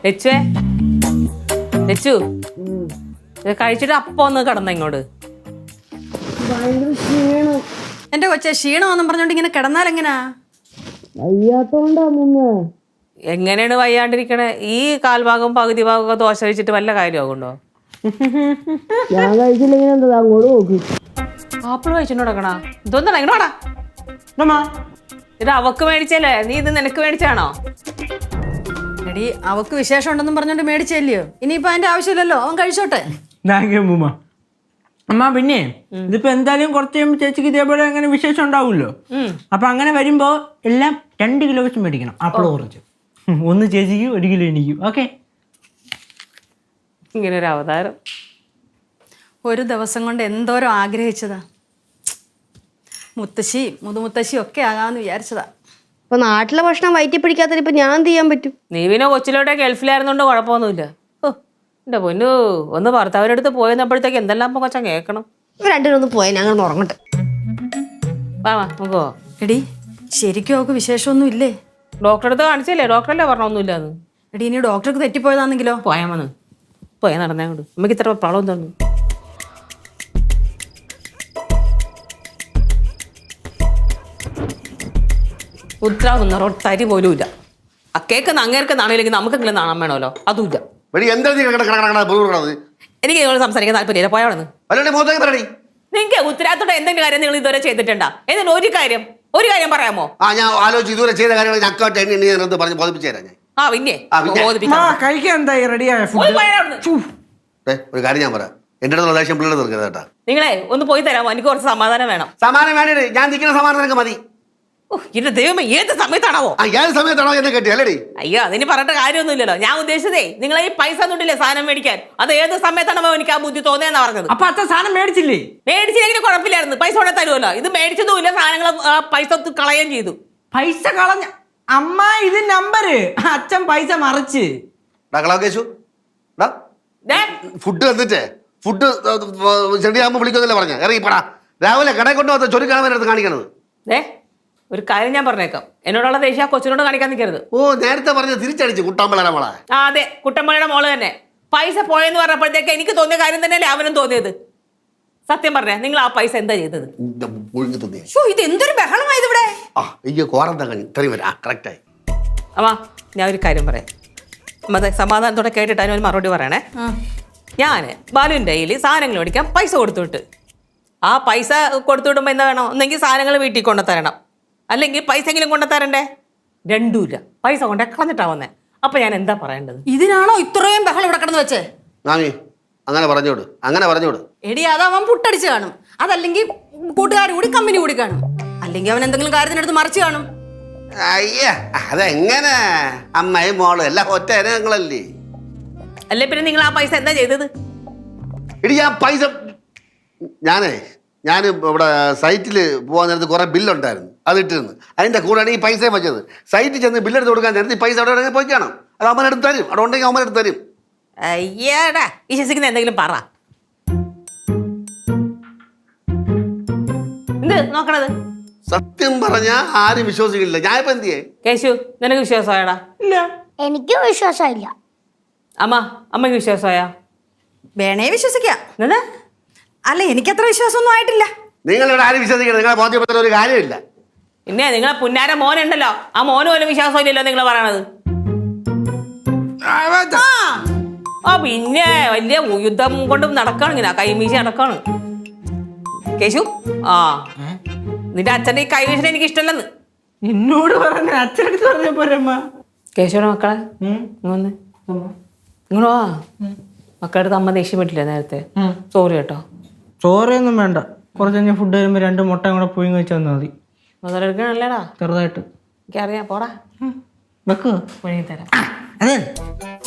ലച്ചുവേ ലച്ചു ഇത് കഴിച്ചിട്ട് അപ്പൊ ഒന്ന് കിടന്ന ഇങ്ങോട്ട്. എന്റെ കൊച്ചെ ക്ഷീണമെന്നും പറഞ്ഞോണ്ട് ഇങ്ങനെ കിടന്നാൽ എങ്ങനാ? എങ്ങനെയാണ് വയ്യാണ്ടിരിക്കണേ? ഈ കാൽഭാഗം പകുതി ഭാഗമൊക്കെ ദോശ കഴിച്ചിട്ട് വല്ല കാര്യമാകുണ്ടോ? ഞാൻ കഴിച്ചില്ലെങ്കിൽ എന്താ അങ്ങോട്ട് നോക്കി. ആപ്പിൾ കഴിച്ചിട്ട് കിടക്കണ ഇതൊന്നാ ഇങ്ങോട്ടാ. ഇത് അവക്ക് മേടിച്ചല്ലേ, നീ ഇത് നിനക്ക് മേടിച്ചാണോ? എടി അവക്ക് വിശേഷം ഉണ്ടെന്നും പറഞ്ഞോണ്ട് മേടിച്ചല്ലയോ, ഇനിയിപ്പോ അതിന്റെ ആവശ്യമില്ലല്ലോ, അവൻ കഴിച്ചോട്ടെ. അമ്മ പിന്നെ ഇതിപ്പോ എന്തായാലും കുറച്ച് കഴിയുമ്പോൾ ചേച്ചിക്ക് ഇതേപോലെ അങ്ങനെ വിശേഷം ഉണ്ടാവുമല്ലോ. അപ്പൊ അങ്ങനെ വരുമ്പോ എല്ലാം 2 കിലോ വെച്ച് മേടിക്കണം. ആപ്പിൾ കുറച്ച് 1 ചേച്ചിക്കും 1 കിലോ എനിക്കും. ഓക്കെ? ഇങ്ങനെ ഒരു അവതാരം ഒരു ദിവസം കൊണ്ട് എന്തോരം ആഗ്രഹിച്ചതാ. മുത്തശ്ശി മുതുമുത്തശ്ശി ഒക്കെ ആകാന്ന് വിചാരിച്ചതാ. ഇപ്പൊ നാട്ടിലെ ഭക്ഷണം വയറ്റി പിടിക്കാത്ത ഇപ്പൊ ഞാൻ എന്ത് ചെയ്യാൻ പറ്റും? നീ പിന്നെ കൊച്ചിലോട്ടെ ഗൾഫിലായിരുന്നോണ്ട് കുഴപ്പമൊന്നുമില്ല. എന്റെ പൊന്നു ഒന്ന് ഭർത്താവിൻ്റെ അടുത്ത് പോയെന്നപ്പോഴത്തേക്ക് എന്തെല്ലാം ഇപ്പൊ കൊച്ചാൻ കേൾക്കണം. രണ്ടിനൊന്ന് പോയാൽ ഞങ്ങൾ ഉറങ്ങട്ടെ. വാ നോക്കോ. എടി ശരിക്കും അവക്ക് വിശേഷമൊന്നും ഇല്ലേ? ഡോക്ടറെ അടുത്ത് കാണിച്ചല്ലേ? ഡോക്ടറല്ലേ പറഞ്ഞൊന്നുമില്ലാന്ന്. എടി ഇനി ഡോക്ടർക്ക് തെറ്റിപ്പോയതാണെങ്കിലോ? പോയാ വന്ന് പോയാ നടന്നേ കൊണ്ട് നമുക്ക് ഇത്ര പ്രോബ്ലം തോന്നുന്നു. ഉത്തരാവുന്ന റൊട്ടരി പോലും ഇല്ല. ആ കേക്ക് അങ്ങേർക്ക് നാണയില്ലെങ്കിൽ നമുക്കെങ്കിലും നാണം വേണമല്ലോ, അതുമില്ല. എനിക്ക് നിങ്ങൾ സംസാരിക്കാൻ താല്പര്യമില്ല, പോയാണെന്ന്. നിങ്ങൾക്ക് ഉത്തരവാദിത്തോടെ എന്തെങ്കിലും കാര്യം നിങ്ങൾ ഇതുവരെ ചെയ്തിട്ടുണ്ടാ? എന്തെങ്കിലും ഒരു കാര്യം പറയാമോ? ഞാൻ ആലോചിച്ച് ഇതുവരെ ചെയ്ത കാര്യങ്ങൾ പറഞ്ഞ് ബോധിപ്പിച്ചു തരാം ഞാൻ. കഴിക്കാൻ എന്തായി? റെഡിയായ ഒരു കാര്യം ഞാൻ പറയാം, എന്റെ അടുത്തുള്ള ദേഷ്യം പിള്ളേർ തീർക്കരുത് കേട്ടാ. നിങ്ങളെ ഒന്ന് പോയി തരാമോ? എനിക്ക് കുറച്ച് സമാധാനം വേണം. സമാധാനം വേണ്ടേ? ഞാൻ നിൽക്കുന്ന സമാധാനം നിനക്ക് മതി. എന്റെ ദൈവമേ, ഏത് സമയത്താണോ? ഏത് സമയത്താണോ എന്നെ കെട്ടി അല്ലേടി? അയ്യോ അതിന് പറഞ്ഞിട്ട് കാര്യമൊന്നുമില്ലല്ലോ. ഞാൻ ഉദ്ദേശിച്ചതേ നിങ്ങളെ ഈ പൈസ ഒന്നുമില്ലേ സാധനം മേടിക്കാൻ, അത് ഏത് സമയത്താണോ എനിക്ക് ആ ബുദ്ധി തോന്നിയെന്നാ പറഞ്ഞത്. അപ്പൊ അത്ര സാധനം മേടിച്ചില്ലേ? മേടിച്ചില്ലെങ്കിൽ കുഴപ്പമില്ലായിരുന്നു, പൈസ കൊണ്ടേ തരുമല്ലോ. ഇത് മേടിച്ചതുമില്ല, സാധനങ്ങൾ പൈസ കളയുകയും ചെയ്തു. പൈസ കളഞ്ഞ അമ്മ, ഇത് നമ്പര് അച്ഛൻ പൈസ മറിച്ച്. ഫുഡ് തന്നിട്ടേ ഫുഡ് ചെടിയാകുമ്പോ വിളിക്കുന്നില്ല പറഞ്ഞ ഇറങ്ങിപ്പടാ. രാവിലെ കടയിൽ കൊണ്ടുപോകാത്ത ചൊരുക്കാൻ വേണ്ടി കാണിക്കണത്. ഒരു കാര്യം ഞാൻ പറഞ്ഞേക്കാം, എന്നോടുള്ള ദേഷ്യം കൊച്ചിനോട് കാണിക്കാൻ നിൽക്കരുത്. നേരത്തെ പറഞ്ഞ തിരിച്ചടിച്ചു കുട്ടാമ്പളയുടെ മോളെ. അതെ, കുട്ടമ്പളയുടെ മോള് തന്നെ. പൈസ പോയെന്ന് പറഞ്ഞപ്പോഴത്തേക്ക് എനിക്ക് തോന്നിയ കാര്യം തന്നെയല്ലേ അവനും തോന്നിയത്. സത്യം പറഞ്ഞേ, നിങ്ങൾ ആ പൈസ എന്താ ചെയ്തത്? ഇത് എന്തൊരു ബഹളമായത് ഇവിടെ. അമ്മ ഞാൻ ഒരു കാര്യം പറയാം, അമ്മ സമാധാനത്തോടെ കേട്ടിട്ട് അതിനൊരു മറുപടി പറയണേ. ഞാൻ ബാലുവിൻ്റെ കയ്യിൽ സാധനങ്ങൾ മേടിക്കാൻ പൈസ കൊടുത്തുവിട്ട്, ആ പൈസ കൊടുത്തുവിടുമ്പോൾ എന്താ വേണം? ഒന്നെങ്കിൽ സാധനങ്ങൾ വീട്ടിൽ കൊണ്ടുതരണം, അല്ലെങ്കിൽ പൈസ എങ്കിലും കൊണ്ടുതരണ്ടേ? രണ്ടുമില്ല, പൈസ കൊണ്ടേ കളഞ്ഞിട്ടാ വന്നേ. അപ്പൊ ഞാൻ എന്താ പറയേണ്ടത്? ഇതിനാണോ ഇത്രയും ബഹളം ഇവിടെ കിടന്ന് വെച്ചേ? അങ്ങനെ പറഞ്ഞോട്. എടി അതവൻ പുട്ടടിച്ച് കാണും, അതല്ലെങ്കിൽ കൂട്ടുകാർ കൂടി കമ്പനി കൂടി കാണും, അല്ലെങ്കിൽ അവൻ എന്തെങ്കിലും കാര്യത്തിനടുത്ത് മറിച്ച് കാണും. അയ്യ അതെങ്ങനെ? അമ്മയും മോളും എല്ലാം ഒറ്റ ഇനങ്ങളല്ലേ? അല്ലേ പിന്നെ നിങ്ങൾ ആ പൈസ എന്താ ചെയ്തത്? ഇടി ആ പൈസ ഞാൻ ഇവിടെ സൈറ്റിൽ പോകാൻ നേരത്ത് കുറെ ബില്ലുണ്ടായിരുന്നു, അത് ഇട്ടിരുന്നു. അതിന്റെ കൂടെയാണ് ഈ പൈസ വെച്ചത്. സൈറ്റിൽ ചെന്ന് ബില്ലെടുത്ത് കൊടുക്കാൻ നേരത്തെ ഈ പൈസ അവിടെ പോയി കാണാം, അത് അമ്മനെടുത്ത് തരും. അവിടെ ഉണ്ടെങ്കിൽ അമ്മനെടുത്ത് തരും. അയ്യാടാ വിശ്വസിക്കുന്ന എന്തെങ്കിലും പറ. എന്ത് നോക്കണത്? സത്യം പറഞ്ഞാ ആരും വിശ്വസിക്കില്ല. ഞാൻ ഇപ്പൊ എന്ത് ചെയ്യേ? കേശു, നിനക്ക് വിശ്വാസമായടാ? ഇല്ല, എനിക്കും വിശ്വാസമില്ല. അമ്മയ്ക്ക് വിശ്വാസമായാ? വേണേ വിശ്വസിക്കാം. എന്താ? അല്ല എനിക്കത്ര വിശ്വാസമൊന്നും ആയിട്ടില്ല. നിങ്ങളിവിടെ ആരും വിശ്വസിക്കണം, നിങ്ങളെ ബോധ്യപ്പെടുത്തുന്ന ഒരു കാര്യമില്ല. പിന്നെ നിങ്ങളെ പുന്നാര മോനുണ്ടല്ലോ, ആ മോന് പോലും വിശ്വാസം ഇല്ലല്ലോ നിങ്ങൾ പറയണത്. പിന്നെ വലിയ യുദ്ധം കൊണ്ട് നടക്കാണ്, ഇങ്ങനെ കൈമീശി നടക്കാണ്. കേശു, നിന്റെ അച്ഛൻ്റെ ഈ കൈവീശിനെ എനിക്ക് ഇഷ്ടമല്ലെന്ന് എന്നോട് പറഞ്ഞ അച്ഛനടുത്ത് പറഞ്ഞ പോരമ്മ. കേശുവിന്റെ മക്കളെ ഇങ്ങൊന്ന് ഇങ്ങോട്ട് വാ. മക്കളുടെ അമ്മ ദേഷ്യം പറ്റില്ല നേരത്തെ. സോറി കേട്ടോ. ചോറയൊന്നും വേണ്ട, കുറച്ച് കഴിഞ്ഞാൽ ഫുഡ് വരുമ്പോൾ 2 മുട്ടയും കൂടെ പുഴുങ്ങി വെച്ച് തന്നാൽ മതി. മുതലെടുക്കണല്ലേടാ? ചെറുതായിട്ട് എനിക്കറിയാം, പോടാ വെക്കുക പുഴുങ്ങി തരാം. അതെ